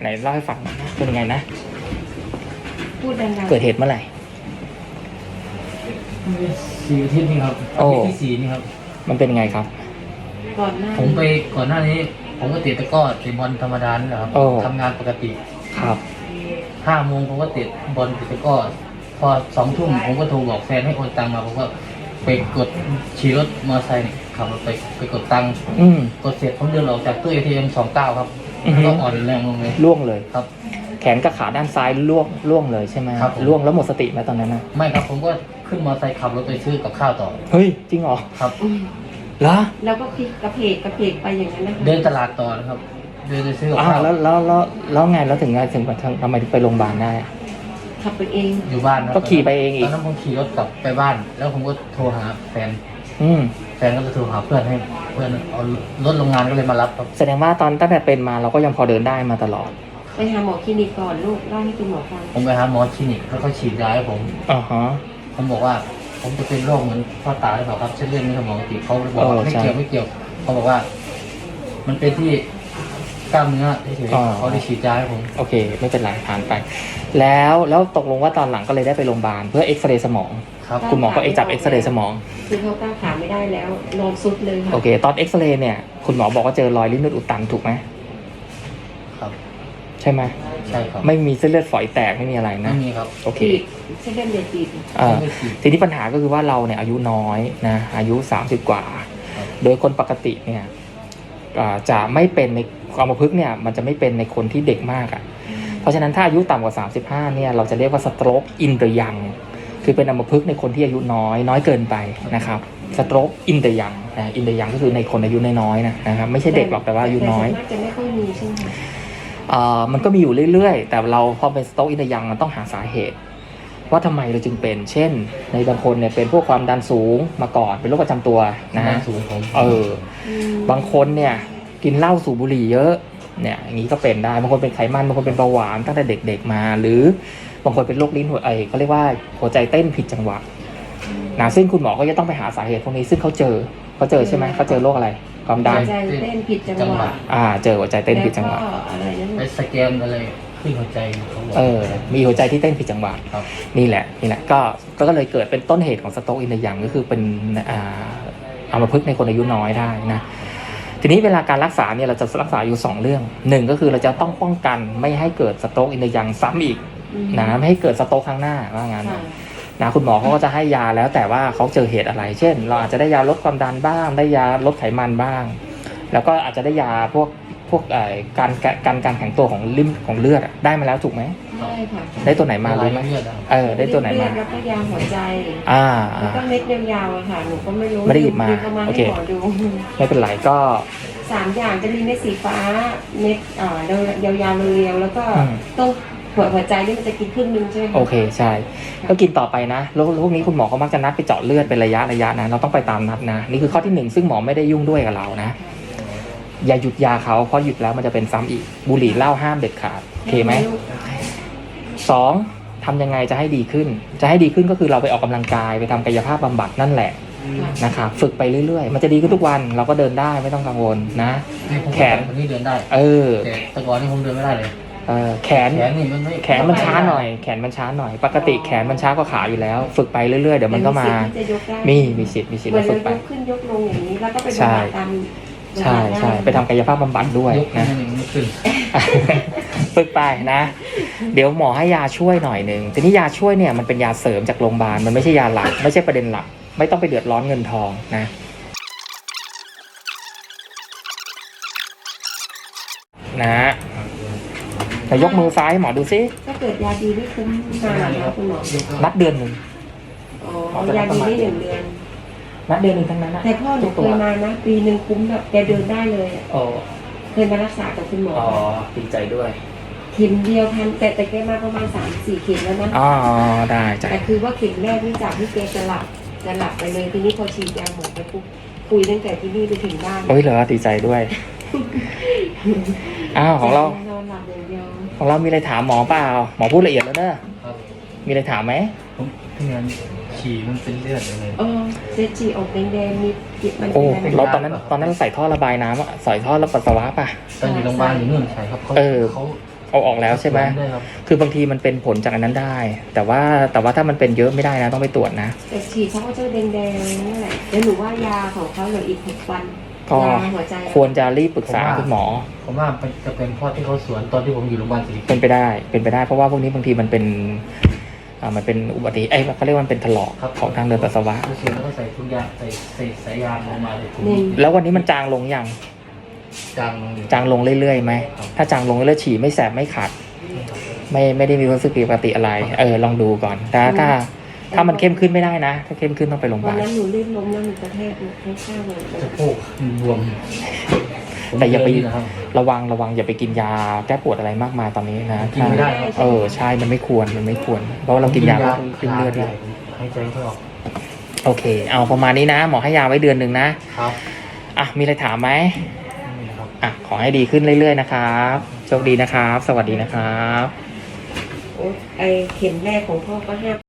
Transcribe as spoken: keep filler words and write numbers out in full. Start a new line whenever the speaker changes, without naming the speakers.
นเล่าให้ฟังหน่อยนะเป็นยังไงนะ
พูดดังๆ
เกิดเหตุเมื่อไหร่
สี่อาทิตย์นี่ครับอาทิตย์ที่สี่นี่ครับ
มันเป็นยังไงครับ
ก่อนหน้า
ผมไปก่อนหน้านี้ผมก็เตะตะก้อเตะบอลธรรมดานี่แหละครับทำงานปกติ
ครับ
ห้าโมงผมก็เตะบอลเตะตะก้อพอสองทุ่มผมก็โทรบอกแฟนให้โอนตังมาผมก็ไปกดขี่รถมอเตอร์ไซค์ขับรถไปไปกดตังค์กดเสร็จผมเดินออกจากตู้ เอ ที เอ็ม สองเก้าครับก็อ่อนแรงลงเลย
ล่วงเลย
ครับ
แขนกับขาด้านซ้ายล่วงล่วงเลยใช่ไหม
ครับ
ล่วงแล้วหมดสติไหมตอนนั้นนะ
ไม่ครับผมก็ขึ้นมอเตอร์ไซค์ขับรถไปซื้อกับข้าวต่อ
เฮ้ยจริงเหรอ
ครับ
เหรอ
แล้วก็คลิกกระเพกกระเพกไปอย่างนั้นนะคะ
เดินตลาดต่อนะครับเดินไปซื้อกับ
ข้าวแล้วแล้วแล้วแล้วไงแล้วถึงไงถึงทำไมถึงไปโรงพยาบาลได้
ขับไปเอง
อยู่บ้าน
ก็ขี่ไปเองอีก
ตอนนั้นผมขี่รถกลับไปบ้านแล้วผมก็โทรหาแฟน
อืม
แฟนก็จะโทรหาเพื่อนให้เพื่อนเอารถโรงงานก็เลยมารับครับ
แสดงว่าตอนตั้งแต่เป็นมาเราก็ยังพอเดินได้มาตลอด
ไปหาหมอคลินิกก่อนลูกเล่าให้คุณหมอฟัง
ผมไปหาหมอคลินิกแล้วเขาฉีดยาให้ผม
อ๋อฮะ
ผมบอกว่าผมจะเป็นโรคเหมือนพ่อตาหรือเปล่าครับเส้นเลือดในสมองตีบเขาบอกว่าไม่เกี่ยวไม่เกี่ยวเขาบอกว่ามันเป็นที่กล้ามเนื้อเฉยๆเขาได้ฉีดยาให้ผม
โอเคไม่เป็นไรผ่านไปแล้วแล้วตกลงว่าตอนหลังก็เลยได้ไปโรงพยาบาลเพื่อเอ็กซเรย์สมอง
ครับ
คุณหมอก็เอ็กจับเอ็กซเรย์สมอง
คือเขาก้าวขาไม่ได้แล้วนอนซุดเลยค่ะ
โอเคตอนเอ็กซเรย์เนี่ยคุณหมอบอกว่าเจอรอยลิ้นเลือดอุดตันถูกไหม
ครับ
ใช่ไหม
ใช่ครับ
ไม่มีเส้นเลือดฝอยแตกไม่มีอะไรนะ
ไม่มีครับ
โอเค
เส้นเลือดเดือดตีบ
อ่าทีนี้ปัญหาก็คือว่าเราเนี่ยอายุน้อยนะอายุสามสิบกว่าโดยคนปกติเนี่ยจะไม่เป็นในอัมพฤกษ์เนี่ยมันจะไม่เป็นในคนที่เด็กมากอ่ะเพราะฉะนั้นถ้าอายุต่ำกว่าสามสิบห้าเนี่ยเราจะเรียกว่า stroke in the young คือเป็นอัมพฤกษ์ในคนที่อายุน้อยน้อยเกินไปนะครับ stroke in the young นะ in the young ก็คือในคนอายุน้อยๆนะนะครับไม่ใช่เด็กหรอกแต่ว่าอายุน้อย
แต่จะไม่ค่อยมีใช่ไหม
อ่ามันก็มีอยู่เรื่อยๆแต่เราพอเป็น stroke in the young มันต้องหาสาเหตุว่าทำไมเราจึงเป็นเช่นในบางคนเนี่ยเป็นพวกความดันสูงมาก่อนเป็นโรคประจำตัวนะฮะเออบางคนเนี่ยกินเหล้าสูบบุหรี่เยอะเนี่ยอย่างนี้ก็เป็นได้บางคนเป็นไขมันบางคนเป็นเบาหวานตั้งแต่เด็กๆมาหรือบางคนเป็นโรคลิ้นหัวไอเขาเรียกว่าหัวใจเต้นผิดจังหวะนะซึ่งคุณหมอก็จะต้องไปหาสาเหตุพวกนี้ซึ่งเขาเจอเขาเจอใช่ไหมเขาเจอโรคอะไรความดัน
หัวใจเต้นผิดจังหวะ
อ่าเจอหัวใจเต้นผิดจังหวะ
ไปสแกนอะไรขึ้นหัวใจ
เออมีหัวใจที่เต้นผิดจังหวะนี่แหละนี่แหละก็ก็เลยเกิดเป็นต้นเหตุของสโตรกอินเดียก็คือเป็นอ่าอัมพฤกษ์ในคนอายุน้อยได้นะทีนี้เวลาการรักษาเนี่ยเราจะรักษาอยู่สองเรื่องหนึ่งก็คือเราจะต้องป้องกันไม่ให้เกิดสโตรกอินเดียซ้ำอีกนะไม่ให้เกิดสโตรกครั้งหน้าว่างั้นนะคุณหมอเขาก็จะให้ยาแล้วแต่ว่าเขาเจอเหตุอะไรเช่นเราอาจจะได้ยาลดความดันบ้างได้ยาลดไขมันบ้างแล้วก็อาจจะได้ยาพวกพวกการการการแข็งตัวของลิ่มของเลือดได้มาแล้วถูกไหม
ได้ค่ะ
ได้ตัวไหนมารู้ไหมเออได้ตัวไหนมา
แล้วก็ยาหัวใจ
อ่า
แล้วก็เม็ดยาวๆค่ะหนูก็ไม่รู้
ไม่ได้หยิบมาโอเคไม่เป็นไรก็
สามอย่างจะมีเม็ดสีฟ้าเม็ดอ่ายาวๆเรียวๆแล้วก็ต้องหัวหัวใจนี่มันจะกินครึ่งนึงใช่ไหม
โอเคใช่ก็กินต่อไปนะแล้วพวกนี้คุณหมอเขามักจะนัดไปเจาะเลือดเป็นระยะระยะนะเราต้องไปตามนัดนะนี่คือข้อที่หนึ่งซึ่งหมอไม่ได้ยุ่งด้วยกับเรานะอย่าหยุดยาเขาเพราะหยุดแล้วมันจะเป็นซ้ำอีกบุหรี่เหล้าห้ามเด็ดขาดโอเคไหมสองทำยังไงจะให้ดีขึ้นจะให้ดีขึ้นก็คือเราไปออกกำลังกายไปทำกายภาพบำบัดนั่นแหละนะครับฝึกไปเรื่อยๆมันจะดีขึ้นทุกวันเราก็เดินได้ไม่ต้องกังวลนะแขน
นี่เดินได้
เออ
แต่แต่ก่อนนี่ผมเดินไม่ได้เลย
เออแขน
แขนนี่มันไม่
แขนมันช้าหน่อยแขนมันช้าหน่อยปกติแขนมันช้ากว่าขาอยู่แล้วฝึกไปเรื่อยๆเดี๋ยวมันก็มามีมีสิทธิ์มีสิทธิ์ฝึกไป
ขึ้นยกลงอย่างนี้แล้วก็ไปตาม
ใช่ใช่ไปทำกายภาพบำบัดด้วยนะฝึกไปนะเดี๋ยวหมอให้ยาช่วยหน่อยหนึ่งทีนี้ยาช่วยเนี่ยมันเป็นยาเสริมจากโรงพยาบาลมันไม่ใช่ยาหลักไม่ใช่ประเด็นหลักไม่ต้องไปเดือดร้อนเงินทองนะนะแต่ยกมือซ้ายหมอดูซิ
ถ้าเกิดยาดีไม่คุ้มนานนะคุณหมอ
นัดเดือนหนึ่ง
อ๋อยาดีไม่หนึ่งเดือน
นัดเดือนหนึ่งทั้งนั้นนะ
แต่พ่อหนูเคยมานะปีหนึ่งคุ้มแบบแกเดินได้เลย
อ๋อ
เคยมารักษากับคุณหมอ
อ๋อดีใจด้วย
เข็มเดียวพันแต่แต่แกมาประมาณสามสี่เข็มแล้วนะ
อ๋อได้จ้ะ
แต่คือว่าเข็มแรกนี่จากที่แกจะหลับจะหลับไปเลยทีนี้พอฉีดยาหมดไปปุ๊บคุยตั้งแต่ที่นี่ไปถึงบ้าน
โอ้ยเหรอดีใจด้วยอ้าวของเราของเรามีอะไรถามหมอเปล่าหมอพูดละเอียดแล้วเนอะมีอะไรถามไหม
ที่งั้นฉี่มันเป็นเลือดอะไร
เออเซจีออกแดงๆมีจิตมัน
โอ้เราตอนนั้นตอนนั้นใส่ท่อระบายน้ำใส่ท่อระปัสสาวะป่ะ
ตอนอยู่โรงพยาบาลอยู่นู่นใช่ครับเขาเขา
เอาออกแล้วใช่ไหม
ได้ครับ
คือบางทีมันเป็นผลจากอันนั้นได้ แต่ว่าแต่ว่าถ้ามันเป็นเยอะไม่ได้นะต้องไปตรวจนะ
แต่ฉีดเขาก็จะแดงๆนั่นแหละแล้วหนูว่ายาของเขาเหลืออีกหกวัน
ก็
ยาหัวใจ
ควรจะรีบปรึกษาคุณหมอ
ผมว่ามันจะเป็นเพราะที่เขาสวนตอนที่ผมอยู่โรงพยาบาลสิริกิ
เป็
ติ์
นไปได้เป็นไปได้เพราะว่าพวกนี้บางทีมันเป็นอ่ามันเป็นอุบัติเหตุเอ้ยเขาเรียกว่ามันเป็นถลอกของทางเดินปัสสาวะ
เขาสวนแล้วก็ใส่ถุงยางใส่ใส่สายยางลงมาเลยถุง
แล้ววันนี้มันจางลงยัง
จางลงอยู่
จางลงเรื่อยๆไหม
ครับ
ถ้าจางลงแล้วฉี่ไม่แสบไม่ขัด ไม่ไม่ได้มีความรู้สึกผิดปกติอะไร เออลองดูก่อนแต่ถ้าถ้ามันเข้มขึ้นไม่ได้นะ ถ้าเข้มขึ้นต้องไปโรงพยา
วัน
บาล
นั้นหนูลื่นล้มแล้วหนูกระแทกข้างๆเลย
สะโพกบวม
แต่อย่าไป
ผมเจนะครับ
ระวังระวังอย่าไปกินยาแก้ปวดอะไรมากมายตอนนี้นะ
กินไม่ได้ครับ
เออใช่มันไม่ควรมันไม่ควร เพราะว่าเรากินยาขึ้นเลือด
เล
เลย ย
หายใจไม่ออก
โอเค เอาประมาณนี้นะ หมอให้ยาไว้เดือนหนึ่งนะครับ อ่ะมีอะไรถามไหม
นี่ครับ
อ่ะขอให้ดีขึ้นเรื่อยๆนะครับโชคดีนะครับ สวัสดีนะครับ
โอ๊ยไอเข็มแรกของพ่อก็ห้า